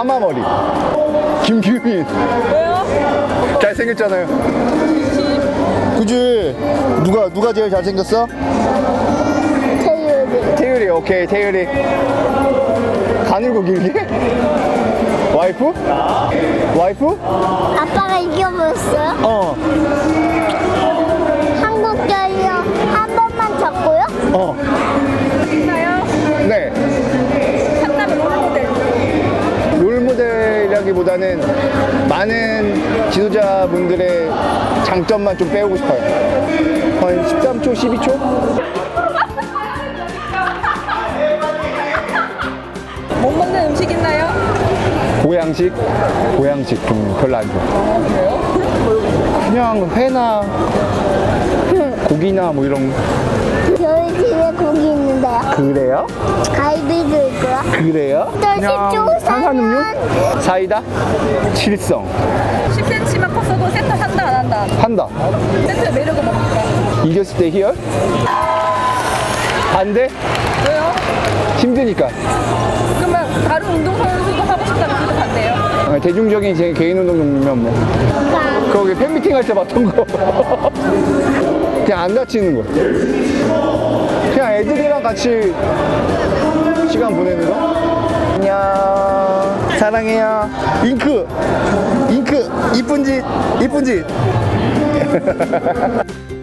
파마머리. 김규민. 왜요? 잘생겼잖아요. 그지? 누가 제일 잘생겼어? 태율이. 태율이. 오케이, 태율이. 가늘고 길게? 와이프? 와이프? 아빠가 이겨버렸어요? 어. 한국 결력 한 번만 졌고요? 어. 있나요? 네. 상담 롤모델. 롤모델이라기보다는 많은 지도자분들의 장점만 좀 빼오고 싶어요. 한 13초, 12초? 못 먹는 음식 있나요? 보양식? 보양식 좀 별로 안 좋아. 그래요? 그냥 회나 고기나 뭐 이런. 저희 집에 고기 있는데요. 그래요? 갈비도 있고요. 그래요? 또 그냥 식초 탄산음료? 사이다? 칠성. 10cm만 컸어도 세트 한다 안 한다. 한다. 세트 매력은 뭡니까? 이겼을 때 희열? 반대? 왜요? 힘드니까. 그러면 다른 운동선수도 하고 싶다면 그거 반대요? 대중적인 제 개인 운동 종류면 뭐 거기 팬미팅 할 때 봤던 거. 그냥 안 다치는 거. 그냥 애들이랑 같이 시간 보내는 거. 안녕, 사랑해요. 잉크 이쁜 짓.